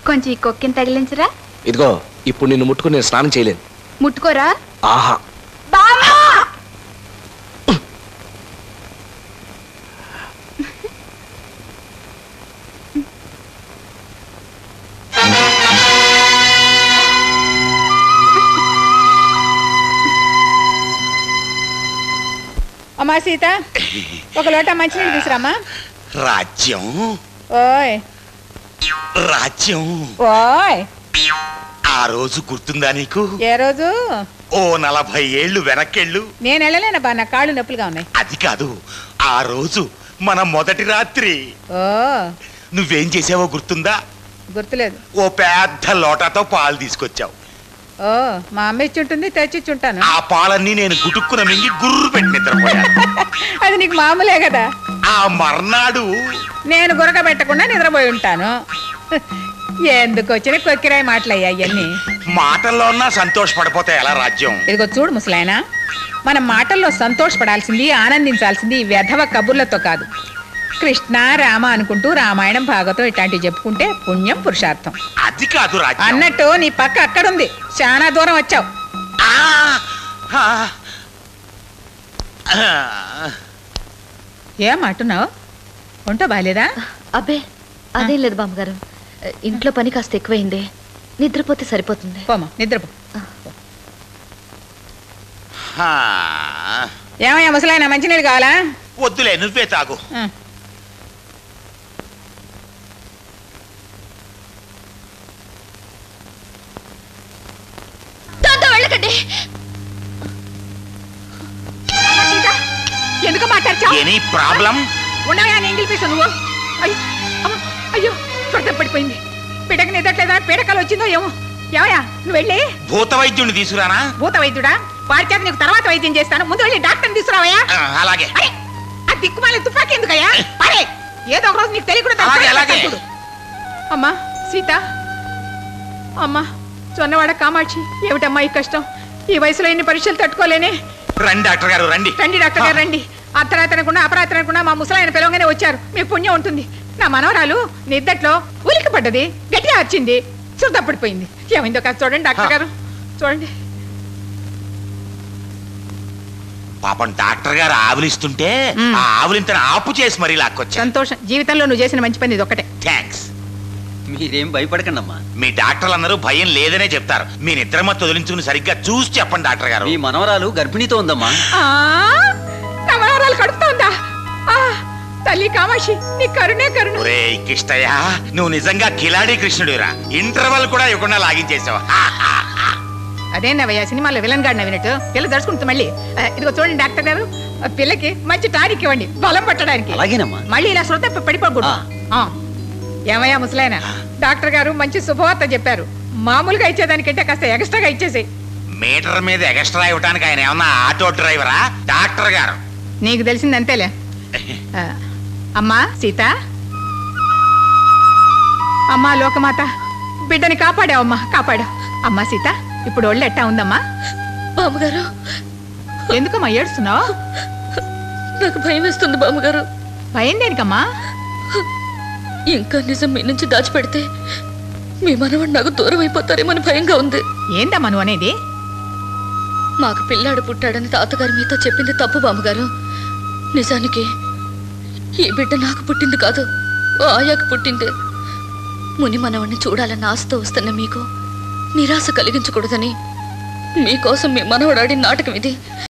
కొంచెం ఈ కొక్కిని తగిలించరా. ఇదిగో ఇప్పుడు నిన్ను ముట్టుకుని నేను స్నానం చేయలేను. ముట్టుకోరా. ఆహా అమ్మా సీత, ఒక లోట మంచినీళ్ళు తీసురామ్మా. రాజ్యం ఓయ్ రాజ్యం ఓయ్, ఆ రోజు గుర్తుందా నీకు? ఏ రోజు? ఓ 40 ఏళ్ళు వెనక్కెళ్ళు. నేను వెళ్ళలేనబ్బా, నా కాళ్ళు నొప్పులుగా ఉన్నాయి. అది కాదు, ఆ రోజు మన మొదటి రాత్రి ఓ నువ్వేం చేసావో గుర్తుందా? గుర్తులేదు. ఓ పెద్ద లోటాతో పాలు తీసుకొచ్చావు. ఓ మా అమ్మ ఇచ్చుంటుంది, తెచ్చిచ్చుంటాను. ఆ పాలన్నీ నేను గుటుక్కున మింగి గుర్రు పెట్టి నిద్రపోయాను. అది నీకు మామూలే కదా. ఆ మర్నాడు నేను గురక పెట్టకుండా నిద్రపోయి ఉంటాను. ఎందుకు వచ్చిన కొక్కిరాయి మాటలయ్యా ఇవన్నీ. మాటల్లో ఉన్నా సంతోషపడిపోతే ఎలా రాజ్యం? ఇదిగో చూడు ముసలాయన, మనం మాటల్లో సంతోషపడాల్సింది, ఆనందించాల్సింది ఈ వెధవ కబుర్లతో కాదు. కృష్ణ రామ అనుకుంటూ రామాయణం భాగవతం ఇట్లాంటివి చెప్పుకుంటే పుణ్యం పురుషార్థం. అది కాదు రాజ్యం. అన్నట్టు నీ పక్క అక్కడుంది, చాలా దూరం వచ్చావు. ఏం అంటున్నావు? ఒంటో బాలేదా? అబ్బే అదేం లేదు బామ్మగారు, ఇంట్లో పని కాస్త ఎక్కువైంది, నిద్రపోతే సరిపోతుంది. పోమా నిద్రపో. ఏమయ్యా ముసలాయన, మంచినీళ్ళు కావాలా? వద్దులే, నువ్వే తాగు. ఎందుకు మాట్లాడుచావు? Any problem? ఉండవయా ఎంగిల్ పీసు నువ్వు. అయ్యో త్వరత పడిపోయింది. పిడక నిద్రట్లేదా, పీడకలు వచ్చిందో ఏమో. ఏమయ్యా నువ్వు వెళ్ళి భూత వైద్యుడిని తీసుకురానా? భూత వైద్యుడా? వారి చేత నీకు తర్వాత వైద్యం చేస్తాను, ముందు వెళ్ళి డాక్టర్ని తీసుకురావయ్యా. అలాగే. ఆ దిక్కుమాలి తుపాకీ ఎందుకయ్యా? అరే ఏదో ఒక రోజు నీకు తెలియకుండా. అమ్మా సీత, అమ్మా చొన్నవాడ కామాక్షి, ఏమిటమ్మా ఈ కష్టం? ఈ వయసులో ఎన్ని పరీక్షలు తట్టుకోలేనే. రండి డాక్టర్ గారు, రండి. రండి డాక్టర్ గారు రండి. అర్ధరాత్రనకుండా అపరాత్రనకుండా మా ముసలాయన పిలవగానే వచ్చారు. మీ పుణ్యం ఉంటుంది. నా మనవరాలు నిద్దట్లో ఉలికి పడ్డది, గట్టిగా వచ్చింది, శుద్ధ పడిపోయింది. ఏమైందో కాదు చూడండి డాక్టర్ గారు, చూడండి. పాపం డాక్టర్ గారు ఆవులిస్తుంటే ఆ ఆవులింతను ఆపు చేసి మరీ లాక్కొచ్చా. సంతోషం, జీవితంలో నువ్వు చేసిన మంచి పని ఇది ఒకటే. థ్యాంక్స్. మీరేం భయపడకండి అమ్మా. మీ డాక్టర్లు అందరూ భయం లేదనే చెప్తారు. మీ నిద్రమత్తు వదిలించుకుని సరిగ్గా చూసి చెప్పండి డాక్టర్ గారు. మీ మనవరాలు గర్భిణీతో ఉందమ్మా. నా మనవరాలు కడుపుతోందా? తల్లి కామాక్షి, నీ కరుణే కరుణ. ఒరే కిష్టయ్య, నువ్వు నిజంగా కిలాడి కృష్ణుడిరా. ఇంటర్వల్ కూడా ఇవ్వకుండా లాగించేసావు. అదేనవయ్యా సినిమాలో విలన్ గాడు నవ్వినట్టు. పిల్ల దడుచుకుంటుంది మళ్ళీ. ఇదిగో చూడండి డాక్టర్ గారు, పిల్లకి మంచి టానిక్ ఇవ్వండి బలం పట్టడానికి. అలాగేనమ్మా. మళ్ళీ ఇలా శ్రద్ధ పడిపోకూడదు. ఏమయ్యా ముసలాయన, డాక్టర్ గారు మంచి శుభవార్త చెప్పారు. మామూలుగా ఇచ్చేదానికంటే కాస్త ఎక్స్ట్రాగా ఇచ్చేసేయి. మీటర్ మీద ఎక్స్ట్రా ఇవ్వడానికి ఆయన ఏమన్నా ఆటో డ్రైవరా? డాక్టర్ గారు. నీకు తెలిసింది అంతేలే. అమ్మా సీత, అమ్మా లోకమాత, బిడ్డని కాపాడావమ్మా, కాపాడావు. అమ్మా సీత, ఇప్పుడు ఒళ్ళు ఎట్టా ఉందమ్మా? బామ్మగారు, ఎందుకమ్మా ఏడుస్తున్నావు? నాకు భయం వేస్తుంది బామ్మగారు. భయం దేనికమ్మా? ఇంకా నిజం మీ నుంచి దాచిపెడితే మీ మనవాడు నాకు దూరం అయిపోతారేమని భయంగా ఉంది. ఏందమ్మా నువ్వు అనేది? మాకు పిల్లాడు పుట్టాడని తాతగారు మీతో చెప్పింది తప్పు బామ్మగారు. నిజానికి ఈ బిడ్డ నాకు పుట్టింది కాదు, ఆయాకు పుట్టింది. ముని మనవాడిని చూడాలన్న ఆశతో వస్తున్న మీకు నిరాశ కలిగించకూడదని మీకోసం మీ మనవడాడి నాటకం ఇది.